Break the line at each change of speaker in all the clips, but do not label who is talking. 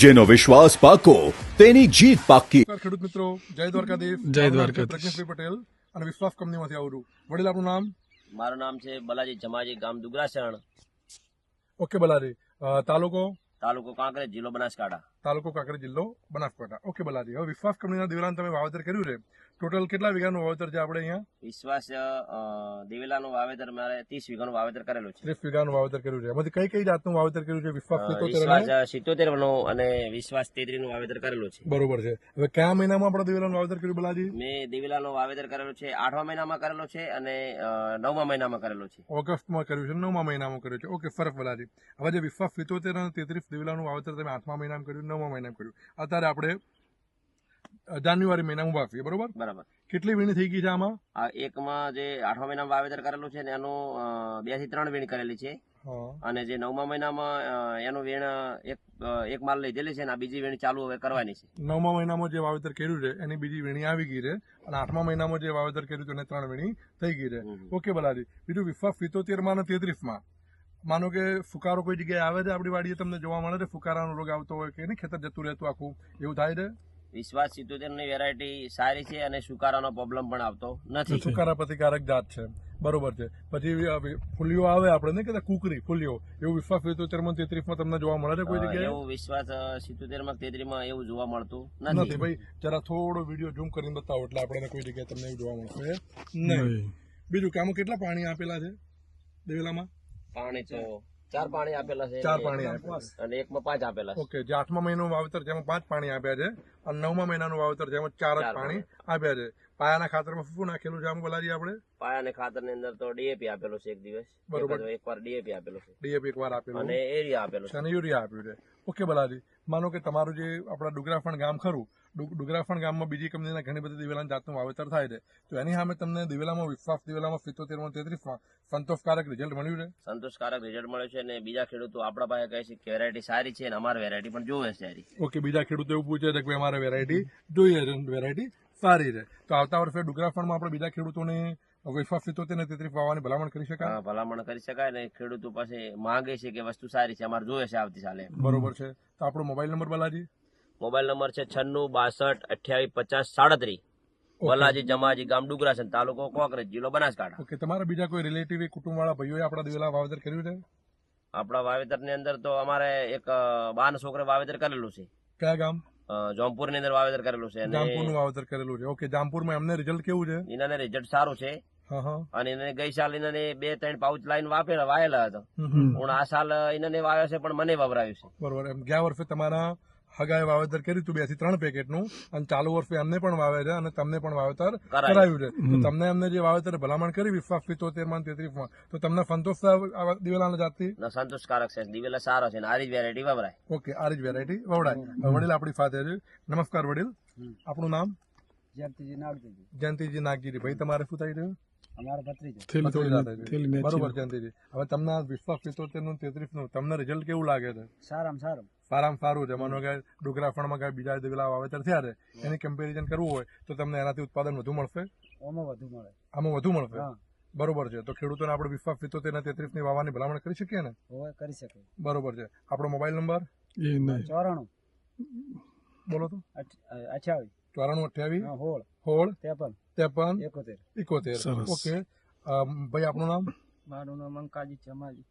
જેનો વિશ્વાસ પાકો તેની જીત પાકી.
ખેડૂત મિત્રો, જય દ્વારકાધીશ.
જય દ્વારકાધીશ.
પ્રજ્ઞેશભાઈ પટેલ અને વિશ્વાસ કંપનીમાંથી આવરું. વડીલ, આપણું નામ?
મારું નામ છે બલાજી જમાજી, ગામ દુગરાસણ,
ઓકે બલાજી. તાલુકો?
તાલુકો કાંકરેજ, જિલ્લો બનાસકાંઠા.
તાલુકો કાંકરેજ, જિલ્લો બનાસકાંઠા. ઓકે બલાજી, હવે વિશ્વાસ કંપનીના દિવેલાનું તમે વાવેતર કર્યું છે. ટોટલ કેટલા વીઘાનું વાવેતર છે આપણે અહીંયા?
વિશ્વાસ દિવેલાનું વાવેતર મારે 30 વીઘાનું વાવેતર કરેલું છે.
30 વીઘાનું વાવેતર કર્યું છે. એમાંથી કઈ કઈ જાતનું વાવેતર કર્યું છે? વિશ્વાસ 77
વિશ્વાસ 77 નું અને વિશ્વાસ 33 નું વાવેતર કરેલું છે.
બરોબર છે. હવે કયા મહિનામાં આપણે દિવેલાનું વાવેતર કર્યું બલાજી?
મેં દિવેલાનું વાવેતર કરેલું છે 8મા મહિનામાં કરેલો છે અને 9મા મહિનામાં કરેલો છે.
ઓગસ્ટમાં કર્યું છે, 9મા મહિનામાં કર્યું છે. ઓકે, ફરક બલાજી. હવે જે વિશ્વાસ 77 અને 33 દિવેલાનું વાવેતર તમે 8મા મહિનામાં કર્યું, 9મા મહિનામાં કર્યું. અત્યારે આપણે જાન્યુઆરી મહિનામાં વાવીએ, બરોબર?
બરાબર.
કેટલી વીણી થઈ ગઈ છે આમાં?
આ એકમાં જે 8મા મહિનામાં વાવેતર કરેલું છે ને એનું 2 થી 3 વીણ કરેલી છે અને જે 9મા મહિનામાં એનું વીણ એક માલ લીધેલી છે અને આ બીજી વીણ ચાલુ હવે કરવાની છે.
9મા મહિનામાં જે વાવેતર કર્યું છે એની બીજી વીણી આવી ગઈ છે અને 8મા મહિનામાં જે વાવેતર કર્યું છે એને 3 વીણી થઈ ગઈ છે. ઓકે બલાજી. બીજું વિશ્વાસ 77 માં અને 33 માં માનો કે ફુકારો કોઈ જગ્યાએ આવે છે આપણી વાડીએ, તમને જોવા મળે છે ફુકારાનો રોગ આવતો હોય કે નહીં, ખેતર જતું રહેતું આખું, એવું થાય છે?
વિશ્વાસ 77 ની વેરાયટી સારી છે અને સુકારાનો પ્રોબ્લેમ પણ આવતો નથી.
સુકારા પ્રતિકારક જાત છે, બરોબર છે. પછી ફૂલીઓ આવે આપણે નહીં કહેતા કુકરી ફૂલીઓ, એવું વિશ્વાસ 77 માં 33 માં તમને જોવા મળે છે કોઈ જગ્યાએ?
એવું વિશ્વાસ 77 માં 33 માં એવું જોવા મળતું
નથી.
નથી.
ભાઈ જરા થોડો વિડીયો ઝૂમ કરીને બતાવો એટલે આપણે કોઈ જગ્યાએ તમને એવું જોવા મળશે નહીં. બીજું કે આમાં કેટલા પાણી આપેલા છે દિવેલામાં?
પાણી તો 4 પાણી આપેલા છે,
4 પાણી આપેલા
અને એકમાં 5 આપેલા છે.
ઓકે, જે 8મા મહિનાનું વાવેતર જેમાં 5 પાણી આપ્યા છે અને 9મા મહિનાનું વાવેતર જેમાં 4 જ પાણી આપ્યા છે. પાયાના ખાતરમાં શું નાખેલું છે આમ બોલાજી આપણે?
પાયાને ખાતર ની અંદર તો ડીએપી આપેલો છે એક દિવસ,
બરોબર.
એકવાર ડીએપી આપેલો છે,
ડીએપી એકવાર આપેલું
અને એરિયા આપેલો છે
અને યુરિયા આપ્યું છે. ઓકે બલાજી. માનો કે તમારું જે આપણા ડુગરાફણ ગામ ખરું, ડુગરાફણ ગામમાં બીજી કંપનીના ઘણી બધી દિવેલાના જાતનું વાવેતર થાય છે, તો એની સામે તમને દિવેલામાં વિશ્વાસ દિવેલામાં 77 માં 33 માં સંતોષકારક રિઝલ્ટ મળ્યું છે?
સંતોષકારક રિઝલ્ટ મળ્યું છે અને બીજા ખેડૂતો આપણા પાસે કહે છે કે વેરાયટી સારી છે અને અમારી વેરાયટી પણ જોવે છે સારી.
ઓકે, બીજા ખેડૂતો એવું પૂછે છે કે અમારે વેરાયટી જોઈએ છે, વેરાયટી સારી છે, તો આવતા વર્ષે ડુગરાફણમાં આપણે બીજા ખેડૂતોને વિશ્વાસ 77 ને 33 વાવવાની ભલામણ કરી શકાય?
હા, ભલામણ કરી શકાય ને ખેડૂતો પાસે માંગે છે કે વસ્તુ સારી છે, અમારે જોવે છે આવતી સાલે.
બરોબર છે. તો આપણો mobile number Balaji?
Mobile number છે 9662285037. બલાજી જમાજી, ગામ ડુગરાસણ, તાલુકો કાંકરેજ, જિલ્લો બનાસકાંઠા.
ઓકે, તમારા બીજા કોઈ રિલેટિવ કુટુંબ વાળા ભાઈઓએ આપણા દિવેલા વાવેતર કર્યું છે?
આપણા વાવેતર ની અંદર તો અમારે એક બાન છોકરે વાવેતર કરેલું છે.
કયા ગામ?
જોમપુર ની અંદર વાવેતર કરેલું છે અને
જામપુરનું વાવેતર કરેલું છે. ઓકે, જામપુરમાં એમને રિઝલ્ટ કેવું છે?
એનાને રિઝલ્ટ સારું છે અને એને ગઈ સાલ એને 2-3 પાઉચ લાઈન વાયેલા હતા. હું આ સાલ એને વાવ્યો છે પણ મને વવરાયું છે.
બરોબર. એમ ગયા વર્ષે તમારા હગાએ વાવેતર કર્યું હતું 2 થી 3 પેકેટનું અને ચાલુ વર્ષે એમને પણ વાવે છે અને તમને પણ વાવેતર કરાયું છે. તો તમને એમને જે વાવેતર ભલામણ કરી વિશ્વાસ 77 માં 33 માં, તો તમને સંતોષ દિવેલાના જાતથી?
સંતોષકારક છે, દિવેલા સારો છે, આ જ વેરાયટી વવરાય.
ઓકે, આ જ વેરાયટી વવડાય. વડીલ આપણી સાથે છે. નમસ્કાર વડીલ, આપણું નામ?
જયંતિજી નાગજીજી.
જયંતિજી નાગજીજી. ભાઈ તમારે શું થાય છે?
અમારો ભત્રીજો.
બરોબર જયંતિજી. હવે તમને વિશ્વાસ 77 નું 33 નું તમને રિઝલ્ટ કેવું લાગે છે?
સારામાં સારું.
સારામાં સારું છે. માનો કે ડુગરાફણમાં કઈ બીજા દિવેલા વાવેતર થયા છે એની કમ્પેરિઝન કરવું હોય તો તમને એનાથી ઉત્પાદન વધુ મળશે?
આમાં વધુ મળે.
આમાં વધુ મળશે. બરોબર છે. તો ખેડૂતોને આપણે વિશ્વાસ 77 અને 33 ની વાવવાની ભલામણ કરી શકીએ ને?
હોય, કરી શકે.
બરોબર છે. આપણો મોબાઈલ નંબર?
94
બોલો તો.
28
94 28
16
53
53
71. ઓકે ભાઈ, આપણું નામ?
મારું નામ અંકાજી જમાજી.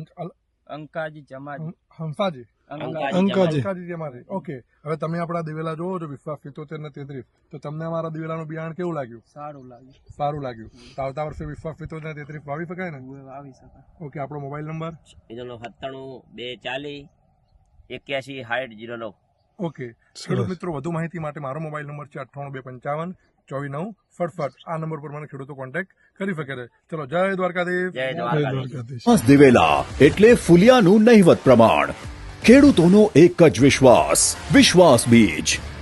હંસાજી? અંકાજી જમાજી. ઓકે, હવે તમે આપણા દિવેલા જોવો છો વિશ્વાસ 77 ને 33, તો તમને અમારા દિવેલાનું બિયારણ કેવું લાગ્યું?
સારું લાગ્યું.
સારું લાગ્યું. તો આવતા વર્ષે વિશ્વાસ 77 ને 33 વાવી શકાય ને?
આવી શકે.
ઓકે, આપણો મોબાઈલ નંબર?
એનો 97 240 81 60 09.
ઓકે, ખેડૂત મિત્રો વધુ માહિતી માટે મારો મોબાઈલ નંબર છે 98 255 24 9 67. આ નંબર પર મને ખેડૂતો કોન્ટેક્ટ કરી શકે છે. ચલો, જય દ્વારકાધીશ.
જય દ્વારકાધીશ.
દિવેલા એટલે ફુલિયાનું નહિવત પ્રમાણ. ખેડૂતોનો એક જ વિશ્વાસ, વિશ્વાસ બીજ.